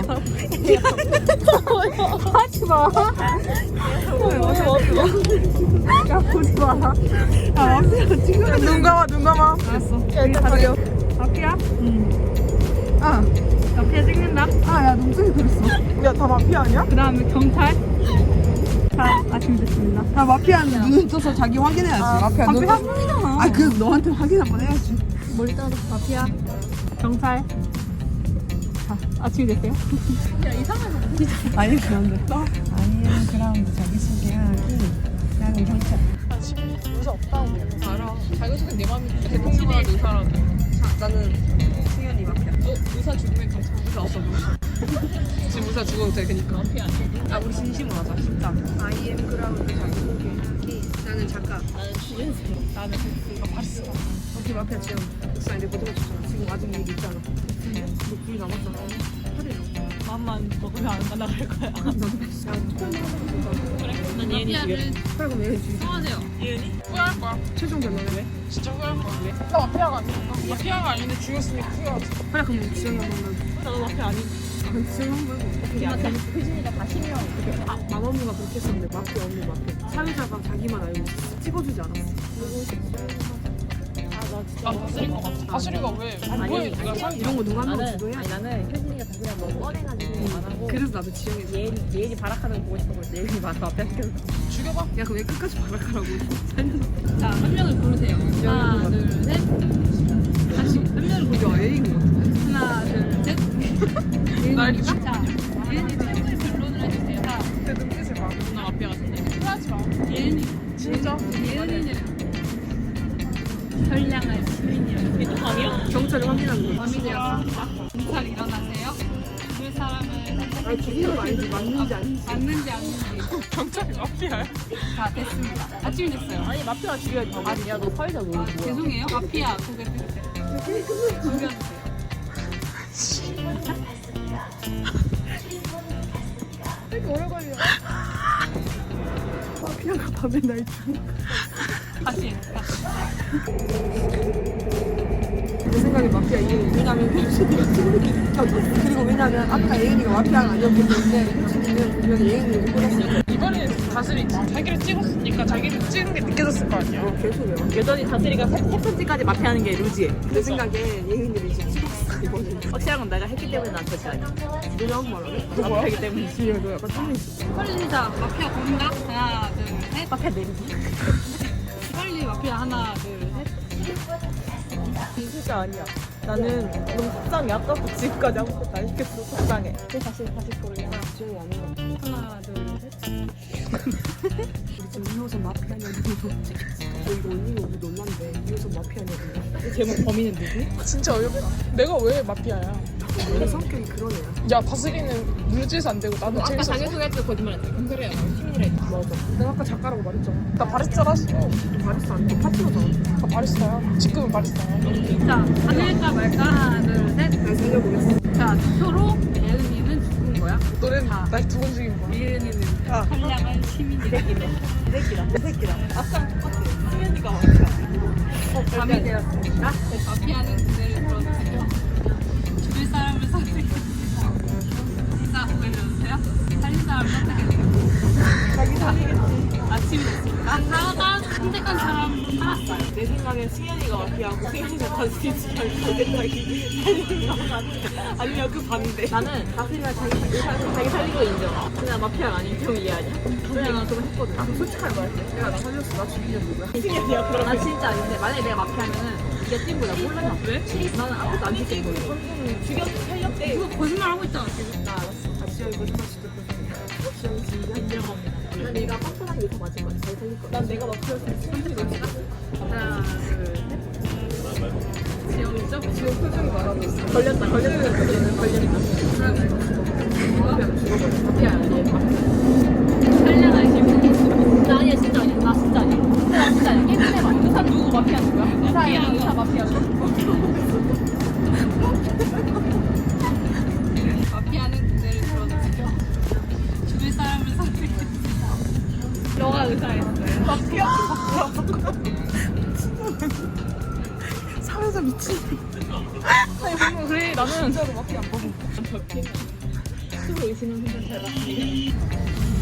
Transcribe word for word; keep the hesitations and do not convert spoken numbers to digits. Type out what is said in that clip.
하지 마. 야 보지 마. 아 마피아 지금 눈 감아 눈 감아. 알았어. 일단 가려. 마피아? 응. 아 마피아 찍는다. 아야 눈썹이 그랬어. 야 다 마피아 아니야? 그 다음에 경찰. 자 아침 됐습니다. 아 마피아는 눈 떠서 자기 확인해야지. 아, 마피아 눈. 마피아 확인이잖아. 아 그 너한테 확인 한번 해야지. 머리 따로 마피아. 경찰. 자 아침이 됐어요? 야 이상하다. 아니 그런데. 아니에요 그라운드 자기소개하기. 나는 경찰. 아 지금 의사 없다고. 알아. 자기소개 내 맘인데 대통령과 의사라고. 나는 승현이 마피아. 어? 의사 죽으면 경찰 의사 없어 보이시. 지금 의사 죽어도 돼 그니까. 마피아 아니야. 아 우리 진심으로 하자 진짜. I am 그라운드 자기소개하기. 나는 작가. 나는 취재생. 나는 이거 바리스타. 어떻게 마피아 지금 목사 이제 못 해봤잖아. 지금 아직 얘기 있잖아. 너 불이 남았잖아. 하래요. 맘만 먹으면 안 가나갈 거야. 나도 야 투표만 하자. 그래. 난 예은이 죽여. 그래 그럼 얘 주의. 성하세요. 예은이? 후회할 거야. 최종 결론은 왜? 진짜 후회할 거야. 왜? 나 마피아가 아니니까. 마피아가 아닌데 죽였으니까 후회하지. 그래 그럼 지영이 한번 만 나도 마피아 아닌. 지영 한번 해봐. 그게 아니야. 효진이가 다시 명. 아 마마무가 그렇게 했었는데 마피아 언니 마피아. 사회자가 자기만 알고 있었어. 찍어주지 않았어. 아 다스릴 것 같아. 다스리가 왜? 아니, 왜 네가 상 이런 거 누가 한명 나는 주도해? 아니 나는 효진이가 자기랑 너무 뻔해가지고 안 하고 그래서 나도 지영이 줘. 예은이 예은이 발악하는 거 보고 싶어서 예은이 맞아 앞에 시켜서 죽여봐. 야 그럼 왜 끝까지 발악하라고 살려서. 자 한 명을 고르세요. 하나 둘셋 다시 한 명을 고르세요. 야 A인 것 같은데? 하나 둘셋 날 죽여. 자 예은이 최고의 변론을 해주세요. 자 내 눈빛을 봐. 나 마피아 같은데. 후회하지 마. 예은이 진짜? 예은이는 선량한 시민이라고 이게 좀 아니야? 경찰을 확인하는 거지. 범인이었습니다. 경찰 일어나세요. 그 사람을 아니 기준은 아니지 맞는지 아닌지. 맞는지 아닌지 경찰이 마피아야? 다 됐습니다. 아침이 됐어요. 아니 마피아 죽여야지. 아니야 너 사회자 너 뭐야? 죄송해요. 마피아 고개 들으세요. 죽여주세요. 되게 오래 걸려. 마피아가 밤에 날 죽여. 다시. 내 생각에 마피아 이혜은이. 왜냐면 효진이가 찍는 켜졌어. 그리고 왜냐면 아까 예은이가 마피아가 아니었기 때문에 효진이는 분명히 예은이를 꼬렸어. 이번에 다스리지. 자기를 찍었으니까 자기를 찍은 게 느껴졌을 거 아니야. 어, 개소리야. 여전히 다스리가 세, 세 번째까지 마피하는 게 루지해. 내 생각에 예은이를 이제 찍었어 이번에. 확실한 건 내가 했기 때문에 난 절대 아니야. 내가 한 말하네? 마피하기 때문에. 지혜가 너 약간 쫄리 있어. 빨리 자 마피아 고른다. 하나 둘 셋. 마피아 내리기. 빨리 마피아 하나 둘 셋. 진짜 아니야. 나는 너무 속상해. 아까부터 지금까지 아무것도 안 시켰어. 속상해. 또 다시 다시 고르게. 지혜가 아니야. 하나 둘 셋. 우리 지금 이호선 마피아냐고 찍혔어. 너 이거 올리면 우리 논란데 이호선 마피아냐고. 제목 범인은 누구? 진짜 어이없다. 내가 왜 마피아야? 원래 성격이 그런 애야. 야 다스리는 물질서 안 되고 나는 아까 재밌었어. 자기소개할 때 거짓말했어. 그래요. 시민이래. 맞아. 내가 아까 작가라고 말했잖아. 나 바리스타라서. 바리스타 아니고 파트너잖아. 나 바리스타야. 지금은 바리스타야. 자 살릴까 말까 하나 둘 셋. 날 살려보겠어. 자 투표로 예은이는 죽은 거야. 너는 자. 날 두 번 죽인 거야. 예은이는 아. 선량한 시민이 새끼네. 이 새끼다. 이 새끼다. 아까 똑같아. 승현이가 마피아. 밤이 되었습니다. 마피아는 그대를 불러주세요. 죽일 사람을 선택해주세요. 진짜 보여주세요. 살릴 사람을 선택해주세요. 자기 살리겠지. 아침이 됐습니다. 사가 선택한 사람 살았어요. 내 생각엔 승현이가 마피아고 승현이가 다스리지 말고 생각이 살리는 거 같아. 아니면 그 반대. 나는 다스리가 자기, 자기, 자기 살린 거 인정. 그냥 마피아가 아닌 경우 이해하냐? 그래 나 그거 했거든. 아, 솔직하게 말해. 내가 나 살렸어. 나 죽이는 누구야? 승현이야 그럼. 나 진짜 아닌데 만약에 내가 마피아면은 이게 뛴 거야. 몰랐나? 왜? 나는 아무것도 안 찍힌 거야. 죽여 살렸대. 그거 거짓말 하고 있잖아 지금. 나 알았어. 아, 지영이 거짓말 시켰거 지영이 진짜 인정합니다. 난 내가 뻔뻔하게 더 맞을 거야. 잘 살릴 거야. 난 내가 마피아였으면 승현이 너지다. 하나 둘 셋. 지영이죠? 지영 표정이 말하고 있어. 걸렸다 걸렸다 걸렸다 걸렸다. 하나 죽으면 죽어버려. 마피아야 얘 마피아. 살려라 시민. 나 아니야 진짜 아니야. 나 진짜 아니야. 나 진짜 아니야. 깨끗해봐. 의사 누구 마피아 누구야? 의사야 의사 마피아. 마피아는 그대를 들어주세요. 죽일 사람을 선택해주세요. 너가 의사였어요. 마피아? 사회자 미친. 아니 뭔가 그래 나는 진짜로 마피아 안 보고. 의심은 혼자 잘 봤습니다.